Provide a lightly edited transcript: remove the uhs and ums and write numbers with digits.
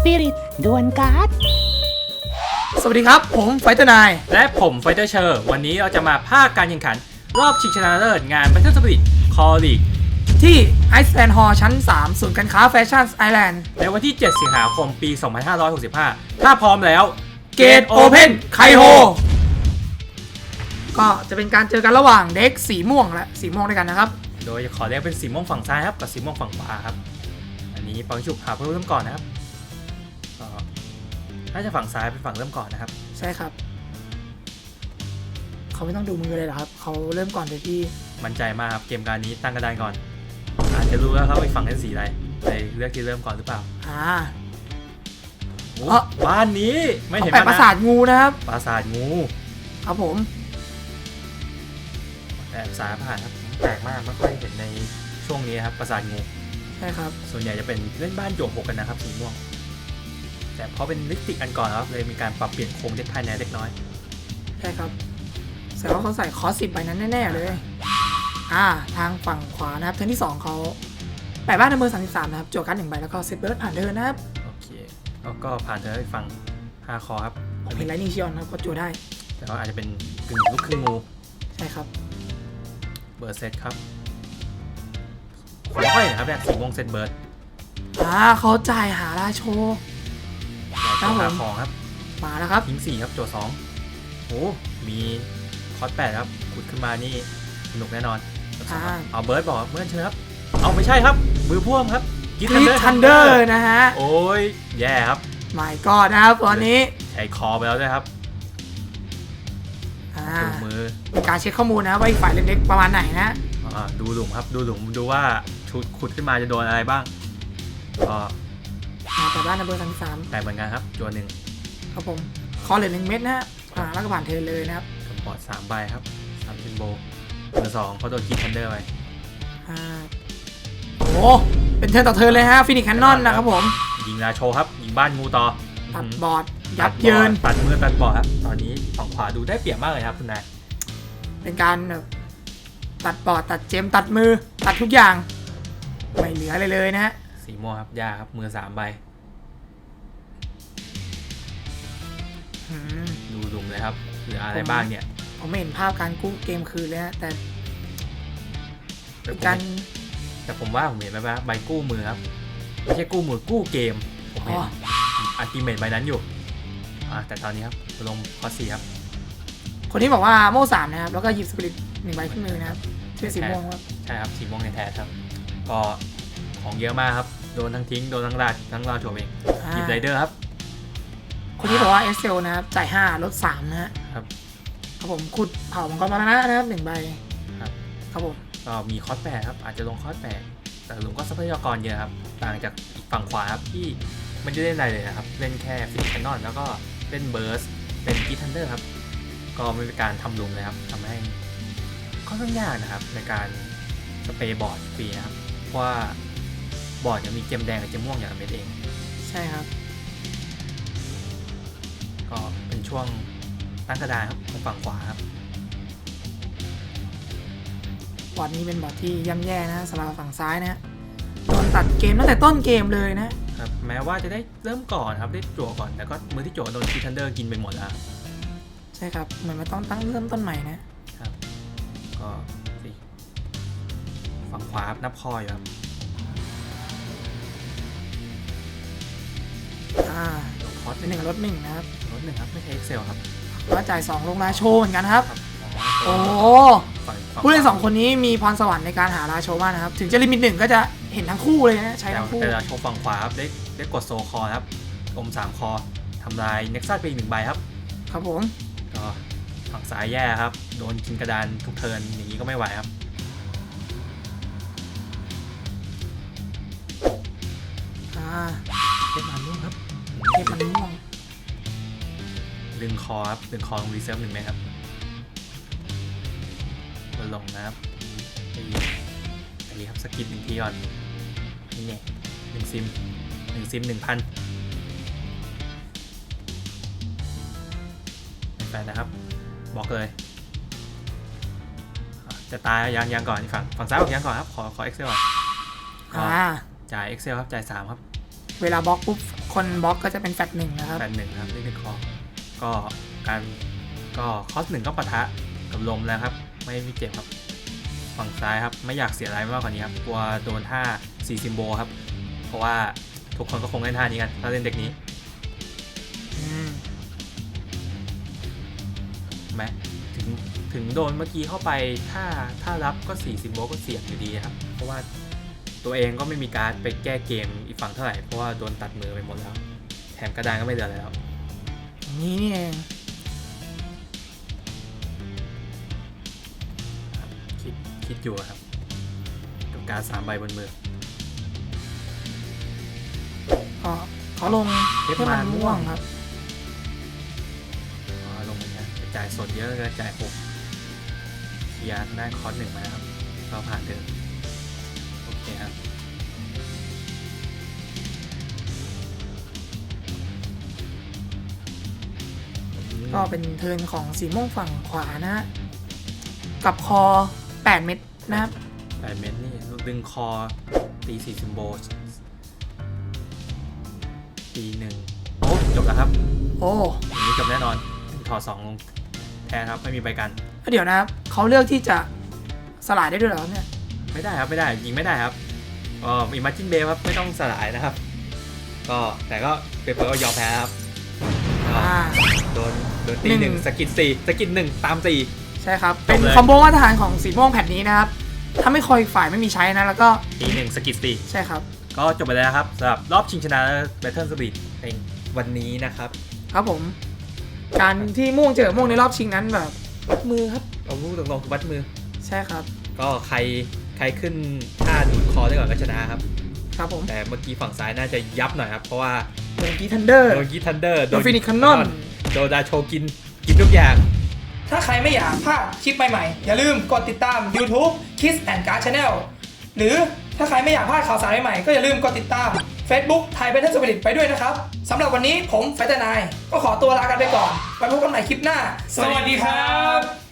ปิริตดวลการ์ดสวัสดีครับผมไฟเตอร์นายและผมไฟเตอร์เชอร์วันนี้เราจะมาภาคการแข่งขันรอบชิงชนะเลิศงาน Battle Spirit Core League ที่ไอซ์แลนด์ฮอลล์ชั้น 3 ศูนย์การค้าแฟชั่นไอแลนด์ในวันที่ 7 สิงหาคม ปี 2565 ถ้าพร้อมแล้วเกตโอเพนไคโฮก็จะเป็นการเจอกันระหว่างเด็กสีม่วงและสีม่วงด้วยกันนะครับโดยขอเรียกเป็นสีม่วงฝั่งซ้ายครับกับสีม่วงฝั่งขวาครับอันนี้ปังฉุบหาเพิ่มเริ่มก่อนนะครับก็น่าจะฝั่งซ้ายเป็นฝั่งเริ่มก่อนนะครับใช่ครับเขาไม่ต้องดูมือเลยเหรอครับเขาเริ่มก่อนโดยที่มั่นใจมากครับเกมการนี้ตั้งกระดานก่อนอาจจะรู้แล้วครับอีกฝั่งเป็นสีอะไรเลยเลือกที่เริ่มก่อนหรือเปล่าบ้านนี้ไม่เห็นแปะปราสาทงูนะครับปราสาทงูครับผมแต่สายผ่านครับแปลกมากไม่ค่อยเห็นในช่วงนี้ครับปราสาทงูใช่ครับส่วนใหญ่จะเป็นเล่นบ้านโจกหกกันนะครับสีม่วงแต่เพราะเป็นลิปติกอันก่อนครับเลยมีการปรับเปลี่ยนโครงเด็กภายในเล็กน้อยใช่ครับแสดงว่าเขาใส่คอส10ใบนั้นแน่ๆเลยทางฝั่งขวานะครับเทิร์นที่2เขาแปะบ้านในมือ33นะครับจั่วการ์ด1ใบแล้วก็เซตเบิร์ดผ่านเทิร์นนะครับโอเคแล้วก็ผ่านเทิร์นอีกฝั่ง5 คอครับผมเห็นไลนิ่งชิออนครับก็จั่วได้แต่ว่าอาจจะเป็นกึ่งลูกครึ่งงูใช่ครับเบิร์ดเซตครับไม่ค่อยนะครับเนี่ยสีม่วงเซตเบิร์ดเขาจ่ายหาราโชจ่ายหาของครับมาแล้วครับทิ้ง4ครับจั่ว2โอ้มีคอส8ครับขุดขึ้นมานี่สนุกแน่นอนเอาเบิร์ดบอกเมื่อเชิญครับเอาไม่ใช่ครับมือพ่วงครับกิททันเดอร์นะฮะโอ้ยแย่ครับไม่ก็นะครับตอนนี้ใช้คอไปแล้วด้วยครับดูมือเป็นการเช็คข้อมูลนะว่าอีกฝ่ายเล็กๆประมาณไหนนะดูหลุมครับดูหลุมดูว่าชุดขุดขึ้นมาจะโดนอะไรบ้างก็แต่บ้านนัมเบอร์33 แต่เหมือนกันครับจัวหนึ่งครับผมคอเหลือ1 เม็ดนะแล้วก็ผ่านเทเลยนะครับบอร์ด3 ใบครับ3ซิมโบลเบอร์2เขาโดนกิททันเดอร์ไปโอ้เป็นเทิร์นต่อเทิร์นเลยฮะฟินิกแคนนอนนะครับผมยิงราโชครับยิงบ้านงูต่อตัดบอร์ดยับเยินตัดมือตัดบอร์ดครับตอนนี้ฝั่งขวาดูได้เปรียบมากเลยครับคุณนายเป็นการตัดบอร์ดตัดเจมตัดมือตัดทุกอย่างไม่เหลืออะไรเลยนะฮะสีม่วงครับยาครับมือ3 ใบดูดุมเลยครับเหลืออะไรบ้างเนี่ยผมไม่เห็นภาพการกู้เกมคืนเลยฮะแต่เป็นการแต่ผมว่าผมเห็นไหมว่าใบกู้มือครับไม่ใช่กู้มือกู้เกมผมเห็นอัลติเมทใบนั้นอยู่แต่ตอนนี้ครับลงคอ4ครับคนที่บอกว่าโม่3นะครับแล้วก็หยิบสปิริต1 ใบขึ้นมือนะครับชื่อสีม่วงครับใช่ครับสีม่วงในแท้ครับก็ของเยอะมากครับโดนทั้งทิ้งโดนทั้งราดโฉบเองหยิบไรเดอร์ครับคนที่บอกว่าเอสเซลนะครับจ่าย5ลด3นะฮะครับผมขุดเผามังกรมรณะนะครับ1 ใบครับผมก็มีคอส8ครับอาจจะลงคอส8แต่ลุงก็ทรัพยากรเยอะครับต่างจากฝั่งขวาครับที่ไม่ได้เล่นอะไรเลยนะครับเล่นแค่ฟินิชแคนนอนแล้วก็เล่นเบิร์สเป็นกิททันเดอร์ครับก็ไม่เป็นการทำลุมเลยครับทำให้ค่อนข้างยากนะครับในการสเปรย์บอร์ดฟรีนะครับเพราะว่าบอร์ดยังมีเจมแดงกับเจมม่วงอย่างละเม็ดเองใช่ครับก็เป็นช่วงตั้งกระดานครับของฝั่งขวาครับบอร์ดนี้เป็นบอร์ดที่ย่ำแย่นะสำหรับฝั่งซ้ายนะโดนตัดเกมตั้งแต่ต้นเกมเลยนะครับแม้ว่าจะได้เริ่มก่อนครับได้จั่วก่อนแต่ก็มือที่จั่วโดนคิทันเดอร์กินไปหมดแล้วใช่ครับเหมือนมันต้องตั้งเริ่มต้นใหม่นะครับก็ฝั่งขวานับคอยครับคอส1ลด1นะครับลด1ครับไม่ใช่ Excel ครับว่าจ่าย2ลงราโชเหมือนกันครับโอ้ผู้เล่น2 คนนี้มีพรสวรรค์ในการหาราโชมากนะครับถึงจะลิมิต1ก็จะเห็นทั้งคู่เลยนะใช้ทั้งคู่แต่ราโชฝั่งขวาครับได้กดโซคอครับอม3 คอทำลายเน็กซัสไปอีก1 ใบครับครับผมก็ฝั่งซ้ายแย่ครับโดนกินกระดานทุกเทิร์นอย่างนี้ก็ไม่ไหวครับเทปมันม่วงครับเทปมันม่วงดึงคอครับดึงคอลงรีเซิร์ฟ1 เม็ดครับมาลงนะครับตีครับสกิด1 ทีก่อนนี่ไง1 ซิม 1,000แฟนนะครับบอกเลยจะตายยังก่อนฝั่งซ้ายบอกยังก่อนครับขอ Excel ก่อนจ่าย Excel ครับจ่าย3ครับเวลาบล็อกปุ๊บคคนบล็อกก็จะเป็นแฟต1นะครับแฟนหนึ่งครับนี่คือคอก็การก็คอส1ก็ปะทะกับลมแล้วครับไม่มีเจ็บครับฝั่งซ้ายครับไม่อยากเสียอะไรมากกว่านี้ครับกลัวโดนท่า4ซิมโบครับเพราะว่าทุกคนก็คงเล่นท่านี้กันถ้าเล่นเด็กนี้ ไหมถึงโดนเมื่อกี้เข้าไปถ้ารับก็4ซิมโบก็เสี่ยงอยู่ดีครับเพราะว่าตัวเองก็ไม่มีการไปแก้เกมอีกฝั่งเท่าไหร่เพราะว่าโดนตัดมือไปหมดแล้วแถมกระดานก็ไม่เหลือแล้วนี่เองคิดอยู่ครับกับการ3ใบบนมือก็เขาลงเทพมันม่วงครับลงนะกระจายสดเยอะกระจาย6เคลียร์ได้คอร์ส1มาครับก็ผ่านเดิมโอเคครับก็เป็นเทิร์นของสีม่วงฝั่งขวานะฮะกับคอ8เม็ดนะครับ 8 เมตรนี่ดึงคอตี4ซิมโบตี1โอ้จบแล้วครับโอ้อย่างนี้จบแน่นอนถอด2ลงแทนครับไม่มีใบกันเดี๋ยวนะครับเขาเลือกที่จะสลายได้ด้วยเหรอเนี่ยไม่ได้ครับไม่ได้ยิงไม่ได้ครับมีมาร์จินเบย์ครับไม่ต้องสลายนะครับก็แต่ก็เปเปอร์ก็ยอมแพ้ครับก็โดนตีหนึ่ง 1สกิด4สกิด1ตาม4 ใช่ครับ เป็นจบเลยคอมโบมาตรฐานของสีม่วงแผ่นนี้นะครับถ้าไม่คอยฝ่ายไม่มีใช้นะแล้วก็ตี1สกิด4 ใช่ครับก็จบไปแล้วครับสำหรับรอบชิงชนะ Battle Speed ในวันนี้นะครับครับผม การที่ม่วงเจอม่วงในรอบชิงนั้นแบบวัดมือครับเอาพูดตรงๆวัดมือใช่ครับก็ใครขึ้นท่าดูดคอได้ก่อนก็ชนะครับครับผมแต่เมื่อกี้ฝั่งซ้ายน่าจะยับหน่อยครับเพราะว่าโดนกีทันเดอร์โดนกีทันเดอร์โดน Phoenix Cannon โดนดาโชกินทุกอย่างถ้าใครไม่อยากพลาดคลิปใหม่ๆอย่าลืมกดติดตาม YouTube Kiss and Card Channel หรือถ้าใครไม่อยากพลาดข่าวสารใหม่ๆก็อย่าลืมกดติดตาม Facebook Thai Battle Spirit ไปด้วยนะครับสำหรับวันนี้ผมไฟเตอร์นายก็ขอตัวลากันไปก่อนไว้พบกันใหม่คลิปหน้า สวัสดีครับ